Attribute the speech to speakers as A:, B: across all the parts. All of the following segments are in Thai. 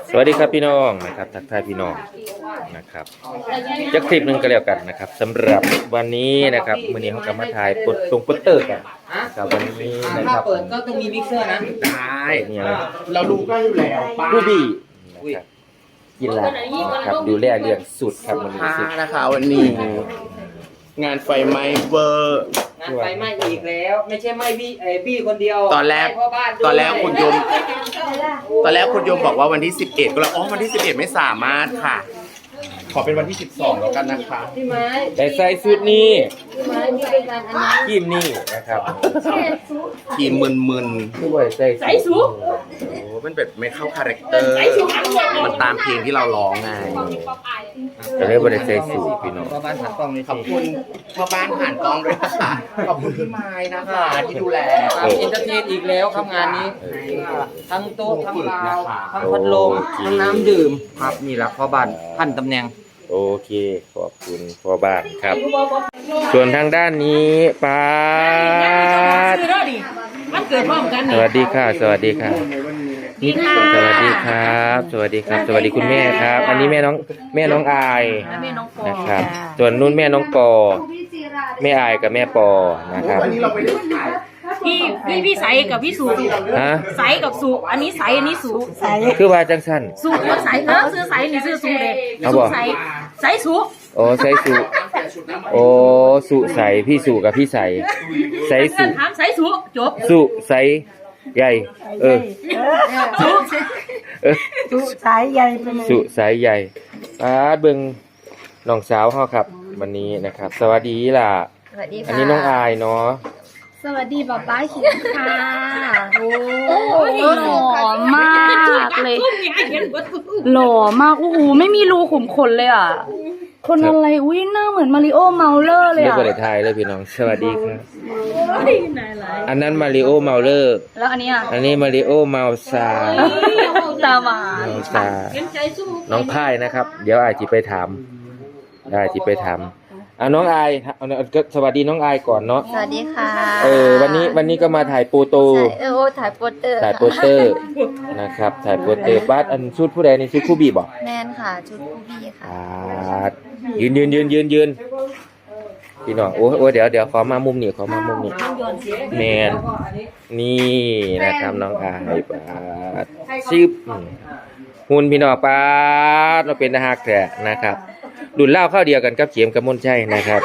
A: สวัสดีครับพี่น้องนะครับทักทายพี่น้องนะครับจะคลิปหนึ่งก็แล้วกันนะครับสำหรับวันนี้นะครับวันนี้เขากำมาถ่ายตรงโปสเตอร์กันนะครับวันนี้นะค
B: ถ้า
A: รับ
B: เปิดก็ต้องมีมิกเซอร์นะ
A: ได้เนี่ย
C: เราดูก็อยู่แล้วป้า
A: ผู้บี้นะครับกินละนะครับดูแลเรื่องสุดครับวันนี้สุด
C: นะคะวันนี้ งานไฟไหม้เวอร์
B: งานไฟไหม้อีกแล้ว ไม่ใช่ไหม้บี้คนเดียว
C: ตอนแรก
B: พ่อบ้านด้วย
C: ตอนแรกคุณโยมบอกว่าวันที่ 11ก็แล้วอ๋อวันที่ 11 ไม่สามารถค่ะ ขอเป็นวันที่ 12 แล้วกันนะคะ
B: พี่ไม้
A: แต่ใส่สุดนี้
B: พี่ไม้พี่เป็นการอันนั้น
A: ทีมนี่นะครับ
C: ทีมมึน
A: ด้วยใส่สุด
C: ๆโอ้มันแบบไม่เข้าคาแรคเตอร์ มันตามเพลงที่เราร้องไง
A: จะเรียกว่าใส่สุดพี่น้อง
B: พ่อบ้านถักกล้องเลย
C: ขอบคุณพ่อบ้านผ่านกล้องด้วยนะคะขอบคุณพี่ไม้นะคะที่ดูแล
B: เอนเตอร์เทนอีกแล้วครับงานนี้ ทั้งโต๊ะทั้งราวทั้งพัดลมทั้งน้ำดื่มครับนี่แหละพ่อบ้านพันตำแหน่ง
A: โอเคขอบคุณพ่อบ้านครับ ส่วนทางด้านนี้ป้าด
D: มันเกิดพร้อมกัน
A: สวัสดีค่ะ สวัสดีค่ะนี่สวัสดีครับ สวัสดีครับ สวัสดีคุณแม่ครับ อันนี้แม่น้องอาย
D: แม่น้องปอ
A: นะครับ ส่วนนุ่นแม่น้องปอแม่อายกับแม่ปอนะครับ
C: วันนี้เราไปได้ถ่าย
D: พี่ใสกับพี่สุ
A: ฮะ
D: ใสกับสุอันนี้ใสอันนี้สุใส
A: คือว่าจังสั้น
D: สุกับใสซื้อใสนี่ซื้อสุเลย
A: เอา
D: สุ
A: บ่
D: ใสใสสุ
A: โอ้ใส่สุโอ้สุใสพี่สุกับพี่ใสใสสุ
D: ถามใสสุจบ
A: สุใสใหญ่เออ
D: สุ
A: เออ
E: สุสายใหญ่ไปเลย
A: สุสายใหญ่ป้าดเบิ่งน้องสาวเฮาครับ วันนี้นะครับ สวัสดีล่ะ
E: สวัสดี
A: อัน
E: ค่ะ
A: นี้น้องอายเนาะ
E: สวัสดีป๊าป้าขิงค่ะ
D: โอ้ยหล่อมากเลยหล่อมากโอ้โหไม่มีรูขุมขนเลยอ่ะคนอะไรอุ้ยหน้าเหมือนมาริโอเมาเลอร์เลย
A: เรียก
D: อ่ะ
A: ว่าได้ทายเลยพี่น้อง สวัสดีครับ
D: นายไร
A: อันนั้นมาริโอเมาเลอร์
D: แล้วอันนี้อ่ะ
A: อันนี้มาริโอเมาซา
D: ตาหวาน
A: เมาซาน้องพายนะครับ เดี๋ยวอาจจะไปถามได้ที่ไปถามน้องอายก็สวัสดีน้องอายก่อนเนาะ
E: สวัสดีค่ะ
A: วันนี้ก็มาถ่ายโปโต
E: ถ่ายโปสเตอร์
A: ถ่ายโปสเตอร์นะครับถ่ายโปสเตอร์บ้านอันชุดผู้ใดในชุดผู้บีบอก
E: แมนค่ะ ชุดผู้พี่ค่ะ
A: ยืนพี่น้องโอ้เดี๋ยวขอมามุมนี้แมนนี่นะครับน้องอายปาดชิบหุ่นพี่น้องปาดเราเป็นทหารแท้นะครับรุ่นเล่าเข้าเดียวกันกับเขียมกับมนชัยนะครับ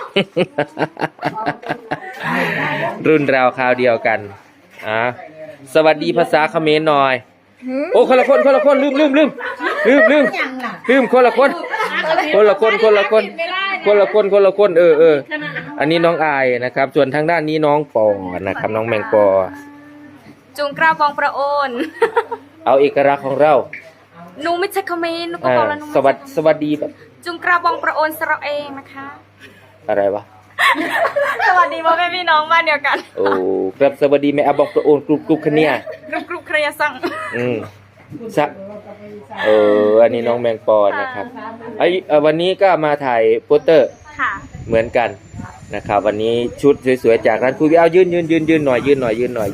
A: รุ่นเราคราวเดียวกันสวัสดีภาษาเขมรหน่อยโอ้คนละคนลืมคนละคนอันนี้น้องอายนะครับ ส่วนทางด้านนี้น้องปอนะครับน้องแมงปอ
D: จุงกระบองประโอน
A: เอาเอกลักษณ์ของเรา
D: หนูไม่ใช่คอมเมนต์หนูก็บอกแล้วหนู
A: สวัสดีแบบ
D: จุงกระบองประโอนสระเองนะคะ
A: อะไรวะ
D: สวัสดีพ่อแม่พี่น้องบ้านเดียวกัน
A: โอ้ครับสวัสดีแม่อาบอกประโอนกรุบคะเนี่ย
D: กรุบเครียสั่ง
A: ซะอันนี้น้องแมงปอนะครับวันนี้ก็มาถ่ายโปสเตอร์
D: ค่ะ
A: เหมือนกันนะครับ วันนี้ชุดสวยๆจากร้านคุยเอายืนหน่อยนะครับยืนหน่อย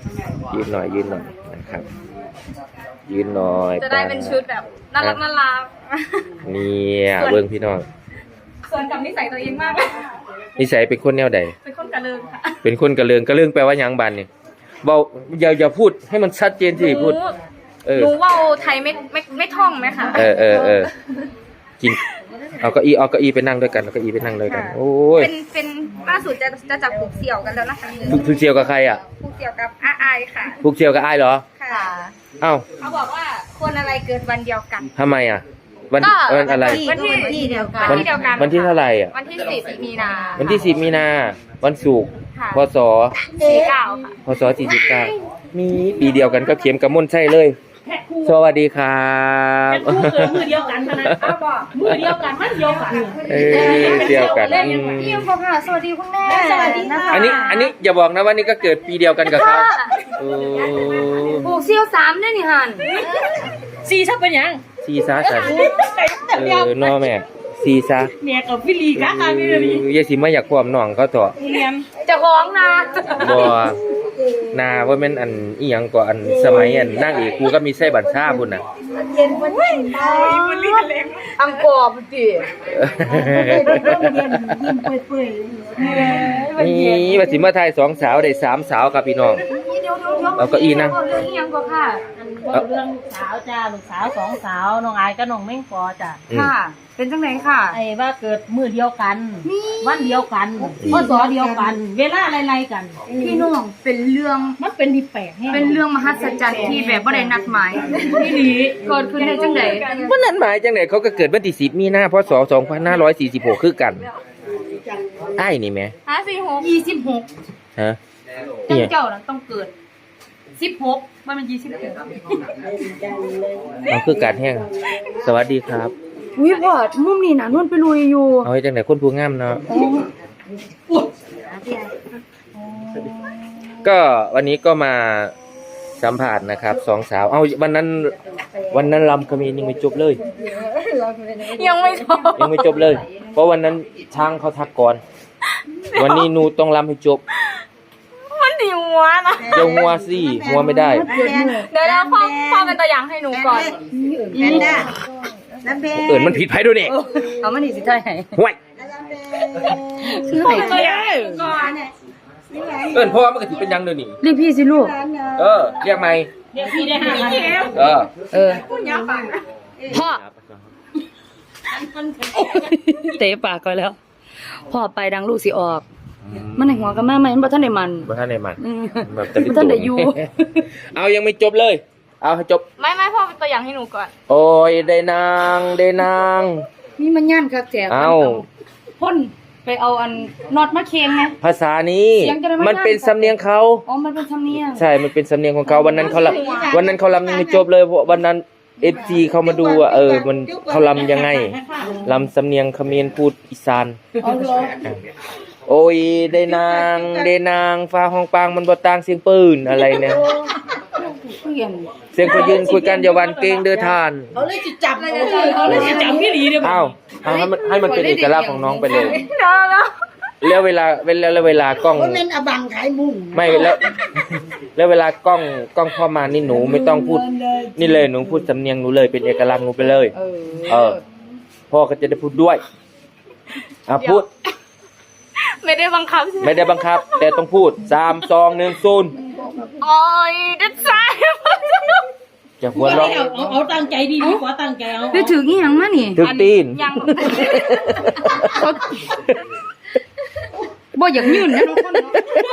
D: จะได้เป็นชุดแบบน่ารัก
A: เนี่ยเบิ่งพี่น้อง
D: ส่วนกับนิสัยตัวเองมากเลย
A: นิสัยเป็นคนแนวใด
D: เป็นคนกระเลิงค่ะ
A: เป็นคนกระเลิงแปลว่าหยังบันเนี่ยเบาอย่าพูดให้มันชัดเจนสิพูด
D: หนูว่าไทยไม่ท่องไหมคะ
A: กินเอาเก้าอี้ไปนั่งด้วยกันโอ้ย
D: เป็นล่าสุดจะจับผูกเสี่ยวกันแล้วนะคะ
A: ผูกเสี่ยวกับใครอ่ะ
D: ผูกเสี่ยวกับอาไอค่ะ
A: ผูกเสี่ยวกับอ้ายเหรอ
D: ค่ะ
A: เอ้า
D: เขาบอกว่าคนอะไรเกิดวันเดียวกัน
A: ทำไมอ่ะวันอะไร
D: วันที่เดียวกัน
A: วันที่เท่าไหร่อ่ะ
D: วันที่10 มีนา
A: วันที่10 มีนาวันศุกร์
D: ค่ะ
A: พศ
D: 49ค่ะ
A: พศ49มีปีเดียวกันก็เขียมกับมนใช่เลย สวัสดีครับ
D: มือเดียวกันนะอ้าวบอกมือเดียวกันมันเดียวกัน
A: เดียวกัน
E: พี่พ่อค่ะ สวัสดีคุณแม่สวัสดีค่ะ
A: อันนี้อย่าบอกนะว่านี่ก็เกิดปีเดียวกันกับเขาโอ้
E: ผูกเซี่ยว3ด้วยนี่ฮัน
D: ซีชับเป็นยัง
A: ซีซ่าสันนอแม่ FC ซะ
F: เมียกับพี่ลีกะค่ะพี่ลี
A: อย่าสิมาอยากความน้องเขาเถอะ
F: เรียน
D: จะร้องนะ
A: บ่นาว่าแม่นอันอีหยังก็อันสมัยอันนางเอกกูก็มีไส้บัญชาพุ่นน่ะ
D: อังกอร์สิ
A: นี่ว่าสิมาถ่ายสองสาวได้สามสาวครับพี่น้อง เอาเก้าอี้นั่ง
D: เรื่องอีหยังก็ค่ะ
F: เรื่องลูกสาวจ้าลูกสาวสองสาวน้องอายกับน้องเม่งปอจ้ะ
D: ค่ะ เป็นจังไหนค่ะ
F: ไอ้ว่าเกิดมือเดียวกัน วันเดียวกันพศเดียวกัน เวลาไล่ๆกัน
D: พี่น้องเป็นเรื่อง
F: มันเป็นดีแปลกแฮะ
D: เป็นเรื่องมหัศจรรย์ที่แบบบ่ได้นัดหมาย
F: พี่ลี
D: เกิดขึ้นได้จังได๋
A: วันนั้นหมายจังได๋เขาก็เกิดวันที่10มีนาพศ2546คือกันอ้ายนี่แหม
D: 26
A: ฮะ
D: จั
A: เนี่
D: ง
A: ย
D: เจ้านั้นต้องเกิด16มันเป็น26
A: มันคือการแห้งสวัสดีครับ
D: อุ้ยพอดมุมนี้น่ะนวลไปลุยอยู่
A: เอาให้จังได๋คนผู้งามเนาะก็วันนี้ก็มาสัมภาษณ์นะครับสองสาวเอาวันนั้นลำคมียังไม่จบเลย
D: ยังไม่จบ
A: ยังไม่จบเลย เพราะวันนั้นช่างเขาทักก่อน วันนี้หนูต้องรำให้จบ
D: มันดีหัวนะ
A: เดี๋ยวหัวสิหัวไม่ได้
D: เดี๋ยวแล้วพ่อเป็นตัวอย่างให้หนูก่อน
A: เอิญมันผิดไผด้วยนี่
D: เอามันนี่สิได้ให้
A: ห่วย
D: คือให้ตัวอย่าง
A: เอิญพ่อมันก็สิเป็นหยังเดี๋ยวนี้
D: เรียกพี่สิลูก
A: เรียกใหม่
F: เดี๋ยวพี่ได้5,000
A: เออ
D: พ่อเตะปากก่อนแล้วพ่อไปดังลูกสิออก มันในหัวกันมากไหมมันบ่ทันได้มัน
A: บ่ทันได้มัน
D: อืม
A: แบบจะ
D: บ่ทันได้อยู่
A: เอายังไม่จบเลย เอาให้จบ
D: ไม่พ่อเป็นตัวอย่างให้หนูก่อน
A: โอ้ยได้นางได้นาง
D: นี่มันย่านคักแจก
A: เอา
D: พ่นไปเอาอันน็อตมาเค็งไง
A: ภาษานี้
D: เสียงจะได้ไม่
A: มันเป็นสำเนียงเขา
D: อ๋อมันเป็นธรรมเนียม
A: ใช่ มันเป็นสำเนียงของเขาวันนั้นเขาลำยังไม่จบเลยเพราะวันนั้นFGเขามาดูว่ามันเขาลำยังไงลำสำเนียงเขมรพูดอีสาน
D: เอาเหรอ
A: โอ้ยได้นางฟ้าห้องปางมันบ่ต่างเสียงปืนอะไรเนี่ย
D: เปลี่ยน
A: เสียงคนยืนคุยกันอย่าหวันเกรงเด้อทาน
F: เขาเลยสิจับพี่ลีเด้อ
A: เอาให้มันเป็นเอกลักษณ์ของน้องไปเลย
D: เนาะ
A: แล้วเวลากล้อง
F: เป็นอบังขายมุ้ง
A: ไม่แล้วเวลากล้องเข้ามานี่หนูไม่ต้องพูดนี่เลยหนูพูดสำเนียงหนูเลยเป็นเอกลักษณ์หนูไปเลย พ่อก็จะได้พูดด้วยพูด
D: ไม่ได้บังคับใช่ไหม
A: ไม่ได้บังคับ แต่ต้องพูด3 2 1 0
D: โอ้ยดัดใจ
A: จะหัวเราะ
F: เอาตั้งใจดีกว่าตั้งใจเอา
D: ไปถึงอีหยังมานี่
A: ถึงตีน
D: ยังบ่อยากยืนนะน้องคนเนาะ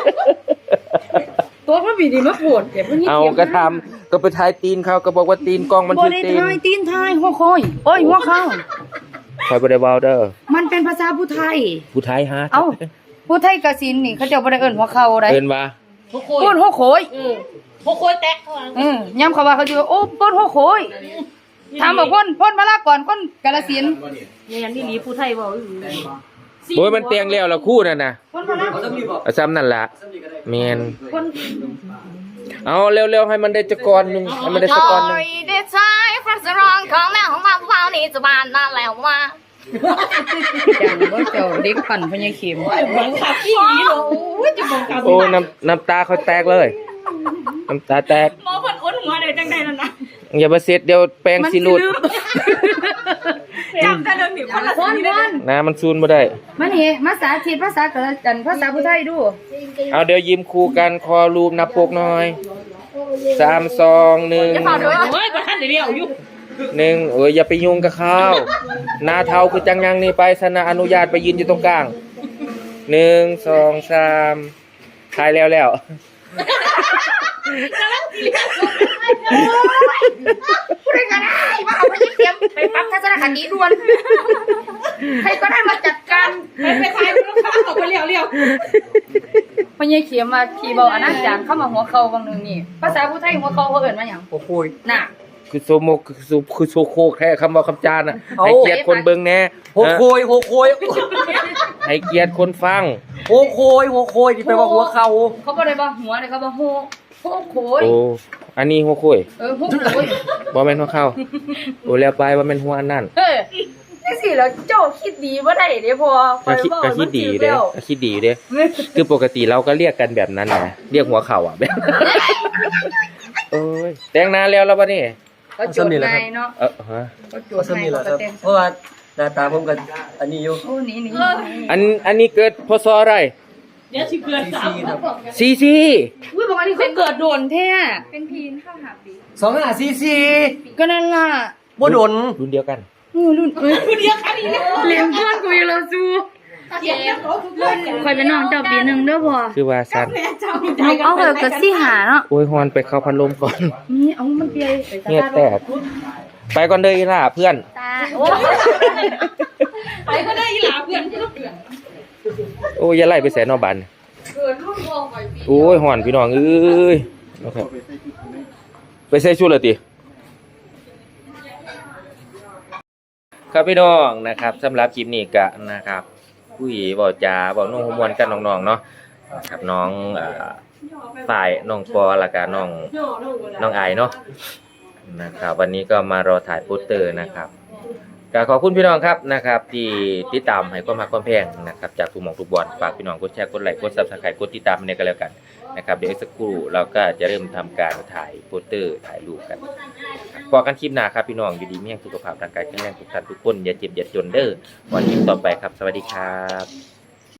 D: ตัวพ่อบีดีมาปวดเดี๋ยวพวกนี้
A: เอาก็ทำก็ไปถ่ายตีนเขาก็บอกว่าตีนกล้องมัน
D: บ่
A: ถึง
D: ได้
A: ตีน
D: ทายตีนทายหัวคอยโอ้ยหัวเข้า
A: คอยบ่ได้เว้าเด้อ
D: มันเป็นภาษาผู้ไทย
A: ผู้ไทยฮะ
D: เอ้าผู้ไทยกสินนี่เขาเจ้าบ่ได้เอิ้นหัวเข้าได้
A: เอิ้นว่า
D: ป้นหัวโขย
F: พวกโคยแตกเขา
D: ย้ำเขาว่าเขาจะว่าโอ้ป้นหัวโขยถามบอกพ่นมาลาก่อนคนกาฬสินธุ์
F: อย่างนี้ลีผู้ไทยบอก
A: โอ้ยมันเตียงแล้วละคู่นั่นน่ะ
D: พ่นมาลา
A: เอาซ้ำนั่นล่ะแม่นเอาเร็วๆให้มันได้จักกรนึงให้มันได้สักกรนึง
E: ได้ใจพระสรองของแม่ของมาเฝ้านี่จะบานนั่นแล้วว่า
D: จังบ่เจ้าเด็กปั่นพญาเข็ม
F: หวังขับพี่ลีเหรอจะบังคับ
A: โอ้น้ำตาเขาแตกเลย น้ำตาแตก
F: หมอคนอ้นหัวเลยจังใดนั่นนะ
A: อย่ามาเสร็จเดี๋ยวแปลงสิหลุด
F: จำได้เดิมหนิคนละ
D: พ่น
A: นะมันซูนบ่ได้
D: มานี่มาสาธิตภาษากาฬจันภาษาผู้ไทยดู
A: เอาเดี๋ยวยิ้มคู่กันคอรูปนับปกหน่อย3 2 1
F: โอ้ยประธานเดียวอยู่
A: 1อย่าไปยุ่งกับเขาหน้าเทาคือจังยังนี่ไปสนะอนุญาตไปยืนอยู่ตรงกลาง1 2 3ถ่ายแล้ว
D: ผู้ใดก็ได้มาเอาพญาเข็มไปปรับทัศนคติด่วนใครก็ได้มาจัดการ
F: ไปขายลูกค้าออกไปเลี้ยว
D: พญาเข็มมาขี่เบาอนาจารเข้ามาหัวเขาบางนึงนี่ภาษาผู้ไทยหัวเขาเขาเอิ้นว่าหยัง
A: โอ้โห
D: น่ะ
A: คือโซโมคือโซโคแค่คำว่าคำจานน่ะให้เกียรติคนเบิ่งแน่
B: หัวโคย
A: ให้เกียรติคนฟัง
B: หัวโคยที่แปลว่าหัวเข่า
D: เขาบ่ได้ว่าหัวเลยเขาว่าโหโขย
A: โอ้อันนี้หัวโคุย
D: โหโขย
A: บ่แม่นหัวเข้าโอ้แล้วไปว่าแม่นหัวอันนั้น
D: เฮ้ยนี่สิแล้วเจ้าคิดดีบ่ได้เด้พอ
A: ก็คิดดีอยู่เด้ก็คิดดีอยู่เด้คือปกติเราก็เรียกกันแบบนั้นนะเรียกหัวเข่าอ่ะแบบโอ้ยแต่งนานแล้วบัดนี้
D: ก็จดในเนาะ
A: ฮะ
D: ก็จดในก็เต็ม
G: เพราะว่าหน้าตาผมกันอันนี้อยู่
D: โอ้นี่
A: อันนี้เกิดพศอะไร
G: ซีซีครับ
A: ซีซี
D: อุ้ยบอกว่านี่เขาเกิดโดนแท้
E: เป็นพีนเข้าหาปี
G: 25ซีซี
D: ก็นั่นล่ะ
G: บ่โดน
A: รุ่นเดียวกัน
D: รุ่นเดียวกันอีกแล้วเลี้ยงเพื่อนกูอยู่แล้วซูคอยเป็นน้องเจ้าปีหนึ่งเด้อพ่อ
A: คือว่าสั้น
D: เอาเถอะก็สิหาเนาะ
A: โอ้ยฮอนไปเข้าพัดลมก่อน
D: นี่เอามันเปีย
A: เงียบแตกไปก่อนเด้ออีหล่าเพื่อน
E: ตา
D: ไปก็ได้อีหลาเพื่อนที่ลูกเพื่อน
A: โอ้ยอย่าไล่ไปแสนนอบัน
D: เกิดรุ่นพ่อก่อยปี
A: โอ้ยฮอนพี่น้องเอ้ยนะครับไปใส่ชุดเลยติครับพี่น้องนะครับสำหรับคลิปนี้ก็นะครับคุยเว้าจาเว้าน้องมวนกันน้องๆเนาะครับน้องฝ่ายน้องปอแล้วก็น้องไอเนาะนะครับวันนี้ก็มารอถ่ายโปสเตอร์นะครับก็ขอบคุณพี่น้องครับนะครับที่ติดตามให้ความรักความแพงนะครับจากทุกหม่องทุกบอลฝากพี่น้องกดแชร์กดไลค์กด Subscribe กดติดตามในกันแล้วกันนะครับเดี๋ยวอีกสักครู่เราก็จะเริ่มทำการถ่ายโปสเตอร์ถ่ายรูปกันพอกันคลิปหน้าครับพี่น้องอยู่ดีมีแรงสุขภาพร่างกายแข็งแรงทุกท่านทุกคนอย่าเจ็บอย่าจนเด้อวันนี้ต่อไปครับสวัสดีครับ